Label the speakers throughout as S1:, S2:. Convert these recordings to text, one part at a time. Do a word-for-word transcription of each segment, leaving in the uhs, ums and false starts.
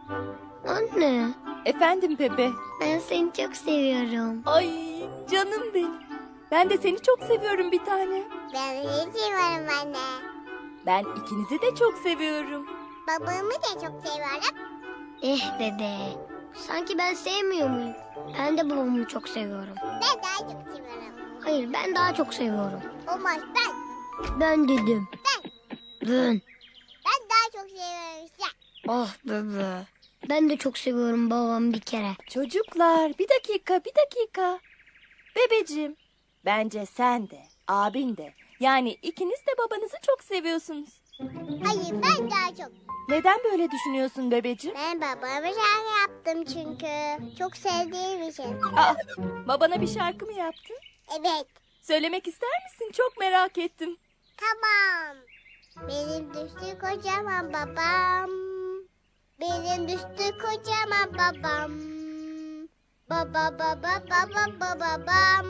S1: Anne,
S2: Efendim Pepe.
S1: ben seni çok seviyorum.
S2: Ay canım benim. Ben de seni çok seviyorum bir tane.
S3: Ben de seviyorum anne.
S2: Ben ikinizi de çok seviyorum.
S3: Babamı da çok seviyorum.
S1: Eh dede, sanki ben sevmiyor muyum? Ben de babamı çok seviyorum.
S3: Ben daha çok seviyorum.
S1: Hayır, ben daha çok seviyorum.
S3: Olmaz ben.
S1: Ben dedim.
S3: Ben.
S1: Ben.
S3: Ben daha çok seviyorum işte.
S1: Ah bebe. Ben de çok seviyorum babamı bir kere.
S2: Çocuklar bir dakika bir dakika. Bebeciğim bence sen de abin de yani ikiniz de babanızı çok seviyorsunuz.
S3: Hayır ben daha çok.
S2: Neden böyle düşünüyorsun bebeciğim?
S3: Ben babama şarkı yaptım çünkü. Çok sevdiğim için.
S2: Aa, babana bir şarkı mı yaptın?
S3: Evet.
S2: Söylemek ister misin? Çok merak ettim.
S3: Tamam. Benim düştü kocaman babam. Benim düştü kocaman babam. Baba baba baba baba babam.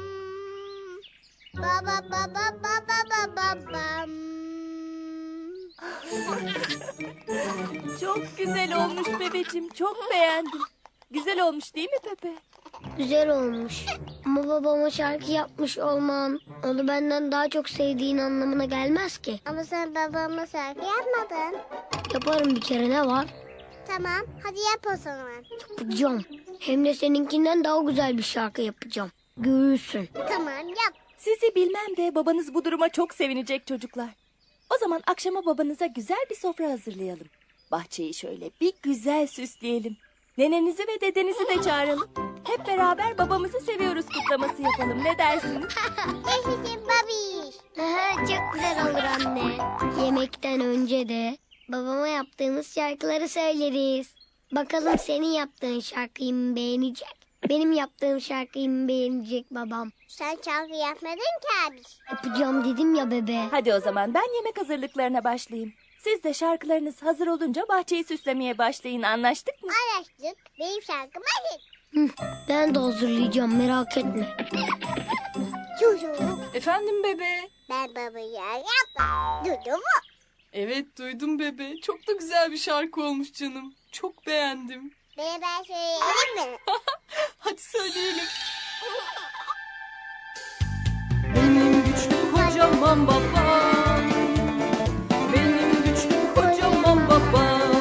S3: Baba baba baba baba babam.
S2: Çok güzel olmuş bebeciğim. Çok beğendim. Güzel olmuş değil mi Pepe?
S1: Güzel olmuş. Ama babama şarkı yapmış olman onu benden daha çok sevdiğin anlamına gelmez ki.
S3: Ama sen babama şarkı yapmadın.
S1: Yaparım bir kere, ne var?
S3: Tamam hadi yap o zaman.
S1: Yapacağım. Hem de seninkinden daha güzel bir şarkı yapacağım. Görürsün.
S3: Tamam yap.
S2: Sizi bilmem de babanız bu duruma çok sevinecek çocuklar. O zaman akşama babanıza güzel bir sofra hazırlayalım. Bahçeyi şöyle bir güzel süsleyelim. Nenenizi ve dedenizi de çağıralım. Hep beraber babamızı seviyoruz kutlaması yapalım. Ne dersiniz?
S3: Yaşasın babiş.
S1: Aha, çok güzel olur anne. Yemekten önce de babama yaptığımız şarkıları söyleriz. Bakalım senin yaptığın şarkıyı mı beğenecek? Benim yaptığım şarkıyı mı beğenecek babam?
S3: Sen şarkı yapmadın ki abi.
S1: Yapacağım dedim ya bebe.
S2: Hadi o zaman ben yemek hazırlıklarına başlayayım. Siz de şarkılarınız hazır olunca bahçeyi süslemeye başlayın. Anlaştık mı?
S3: Anlaştık. Benim şarkım hazır.
S1: Hı, ben de hazırlayacağım, merak etme.
S3: Çocuğum.
S4: Efendim bebe.
S3: Ben babayı yaptım. Duydun mu?
S4: Evet duydum bebe. Çok da güzel bir şarkı olmuş canım. Çok beğendim.
S3: Beni ben söyleyelim mi?
S4: Hadi söyleyelim. Benim güçlü kocaman babam. Benim güçlü kocaman babam.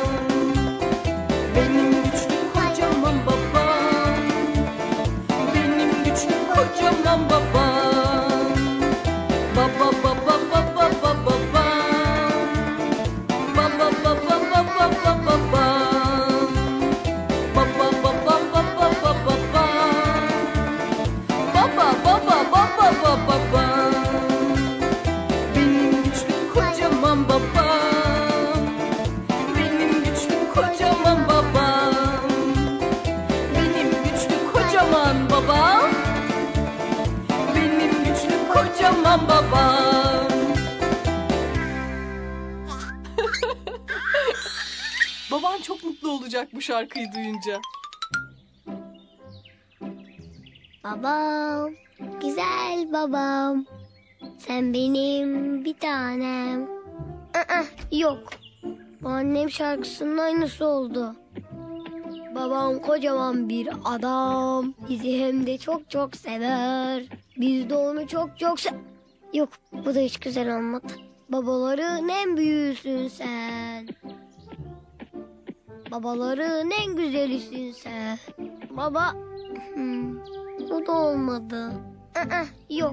S4: Benim güçlü kocaman babam. Benim güçlü kocaman babam. Baba baba baba baba babam. Baba baba baba baba babam. Baba baba baba baba babam. Baba baba baba baba babam. Benim güçlü kocaman babam. Benim güçlü kocaman babam. Benim güçlü kocaman babam. Benim güçlü kocaman babam. Baban çok mutlu olacak bu şarkıyı duyunca.
S1: Babam, güzel babam. Sen benim bir tanem. Aa, yok. Bu annem şarkısının aynısı oldu. Babam kocaman bir adam. Bizi hem de çok çok sever. Biz de onu çok çok se... Yok, bu da hiç güzel olmadı. Babaların en büyüğüsün sen. Babaların en güzelisin sen. Baba... Hmm, bu da olmadı. Aa, yok.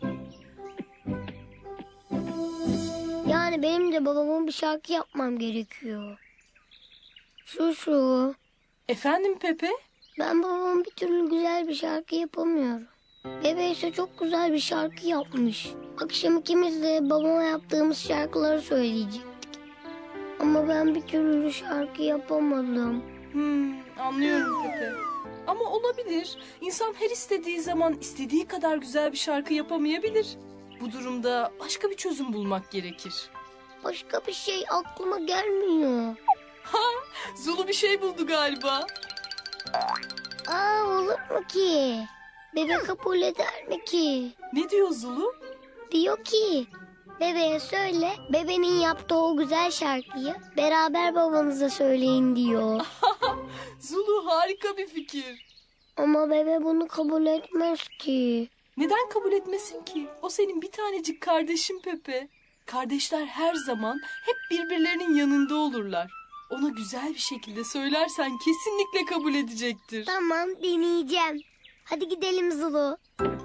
S1: Yani benim de babamın bir şarkı yapmam gerekiyor. Şu şu.
S4: Efendim Pepe?
S1: Ben babamın bir türlü güzel bir şarkı yapamıyorum. Bebe ise çok güzel bir şarkı yapmış. Akşam ikimiz de babama yaptığımız şarkıları söyleyecektik. Ama ben bir türlü şarkı yapamadım.
S4: Hmm, anlıyorum Pepe. Ama olabilir. İnsan her istediği zaman istediği kadar güzel bir şarkı yapamayabilir. Bu durumda başka bir çözüm bulmak gerekir.
S1: Başka bir şey aklıma gelmiyor.
S4: Ha, Zulu bir şey buldu galiba.
S1: Aa, olur mu ki? Bebe kabul eder mi ki?
S4: Ne diyor Zulu?
S1: Diyor ki, bebeğe söyle, bebenin yaptığı o güzel şarkıyı beraber babanıza söyleyin diyor.
S4: Zulu harika bir fikir.
S1: Ama bebe bunu kabul etmez ki.
S4: Neden kabul etmesin ki? O senin bir tanecik kardeşin Pepe. Kardeşler her zaman hep birbirlerinin yanında olurlar. Ona güzel bir şekilde söylersen kesinlikle kabul edecektir.
S1: Tamam, deneyeceğim. Hadi gidelim Zulu.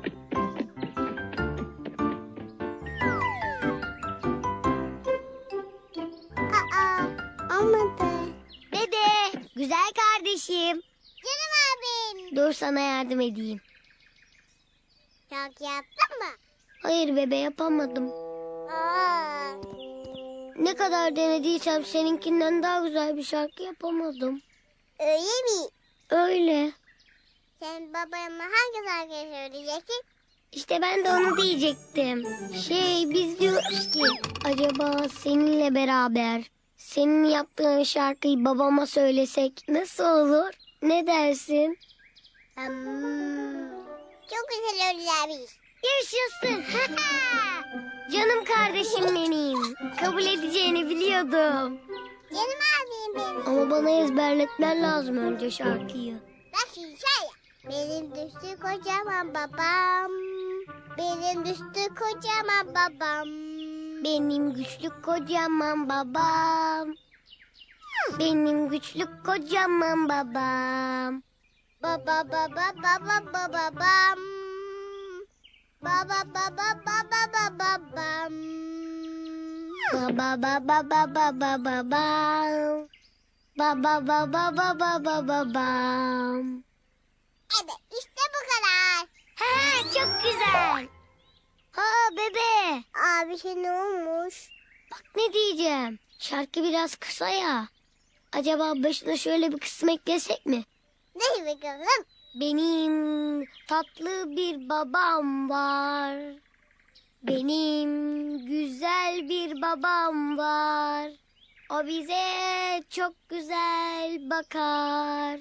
S3: Aa, olmadı.
S1: Dede, güzel kardeşim.
S3: Canım abim.
S1: Dur sana yardım edeyim.
S3: Çok yaptın mı?
S1: Hayır bebe, yapamadım.
S3: Aa,
S1: Ne kadar denediysem seninkinden daha güzel bir şarkı yapamadım.
S3: öyle mi?
S1: Öyle.
S3: Sen babama hangi şarkıyı söyleyeceksin?
S1: İşte ben de onu diyecektim. Şey, biz diyoruz ki acaba seninle beraber senin yaptığın şarkıyı babama söylesek nasıl olur? Ne dersin?
S3: Hmm, çok güzel olacakmış.
S1: Yaşasın. Canım kardeşim benim. Kabul edeceğini biliyordum.
S3: Canım abim benim.
S1: Ama bana ezberletmen lazım önce şarkıyı.
S3: Bak şimdi şöyle. Benim düştü kocaman babam. Benim düştü kocaman babam.
S1: Benim güçlü kocaman babam. Benim güçlü kocaman babam.
S3: Baba baba baba baba bam. Baba baba baba baba bam.
S1: Baba baba baba baba bam. Baba baba baba baba bam.
S3: Evet işte bu kadar.
S1: Ha, çok güzel. Ha bebe.
S3: Abi şey ne olmuş?
S1: Bak ne diyeceğim. Şarkı biraz kısa ya. Acaba başına şöyle bir kısım eklesek mi?
S3: Ne bakalım?
S1: Benim tatlı bir babam var. Benim güzel bir babam var. O bize çok güzel bakar.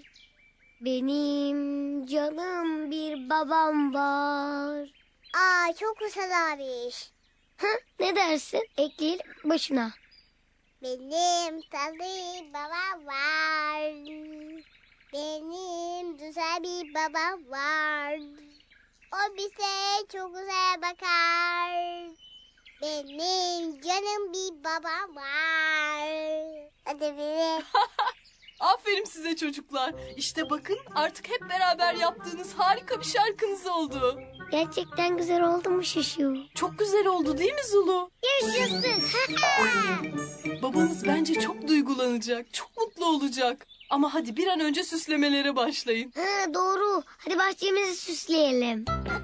S1: Benim canım bir babam var.
S3: Aa çok güzel abi.
S1: Hı, ne dersin? Ekleyelim başına.
S3: Benim tatlı babam var. Benim güzel bir babam var. O bize çok güzel bakar. Benim canım bir babam var. Hadi biri.
S4: Aferin size çocuklar. İşte bakın artık hep beraber yaptığınız harika bir şarkınız oldu.
S1: Gerçekten güzel oldu mu Şuşu?
S4: Çok güzel oldu değil mi Zulu?
S1: Yaşasın.
S4: Babanız bence çok duygulanacak, çok mutlu olacak. Ama hadi bir an önce süslemelere başlayın.
S1: Ha, doğru. Hadi bahçemizi süsleyelim.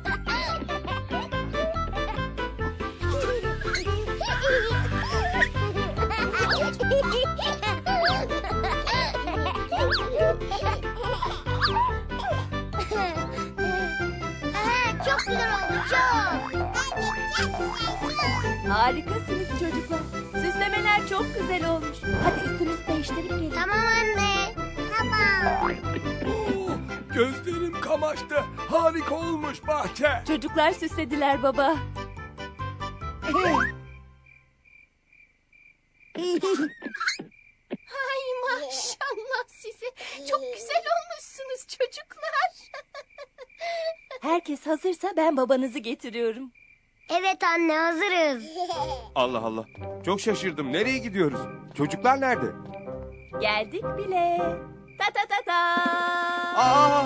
S1: Ha, çok güzel oldu, çok.
S2: Harikasınız çocuklar. Süslemeler çok güzel olmuş. Hadi üstünüzü değiştirip gelin.
S1: Tamam anne.
S3: Tamam.
S5: Oo, gözlerim kamaştı. Harika olmuş bahçe.
S2: Çocuklar süslediler baba.
S4: Ay maşallah size. Çok güzel olmuşsunuz çocuklar.
S2: Herkes hazırsa ben babanızı getiriyorum.
S1: Evet anne, hazırız.
S5: Allah Allah. Çok şaşırdım. Nereye gidiyoruz? Çocuklar nerede?
S2: Geldik bile. Ta ta ta ta.
S5: Aa!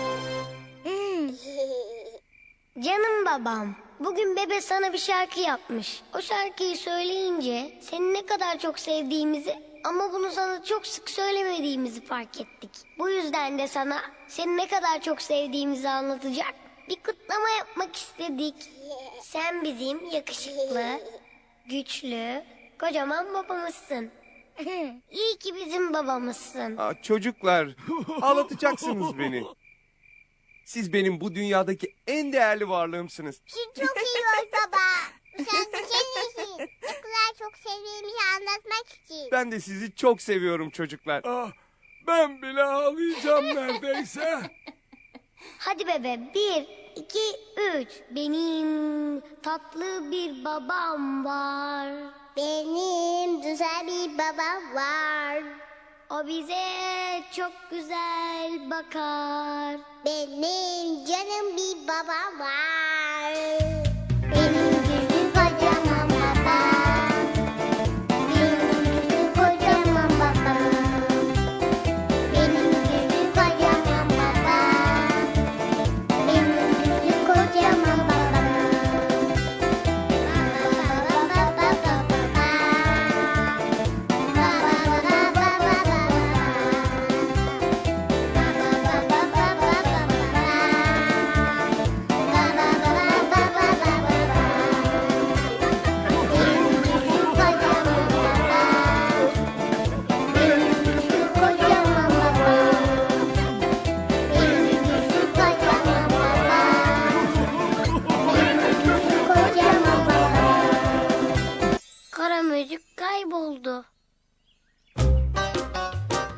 S1: Canım babam, bugün bebe sana bir şarkı yapmış. O şarkıyı söyleyince seni ne kadar çok sevdiğimizi ama bunu sana çok sık söylemediğimizi fark ettik. Bu yüzden de sana seni ne kadar çok sevdiğimizi anlatacak bir kutlama yapmak istedik. Sen bizim yakışıklı, güçlü, kocaman babamızsın. İyi ki bizim babamızsın.
S5: Aa, çocuklar, ağlatacaksınız beni. Siz benim bu dünyadaki en değerli varlığımsınız.
S3: Şu çok iyi oldu baba. Sen senin için. Ne kadar çok sevdiğimizi anlatmak için.
S5: Ben de sizi çok seviyorum çocuklar. Ah, ben bile ağlayacağım neredeyse.
S1: Hadi bebe, bir, iki, üç. Benim tatlı bir babam var.
S3: Benim güzel bir babam var.
S1: O bize çok güzel bakar.
S3: Benim canım bir babam var.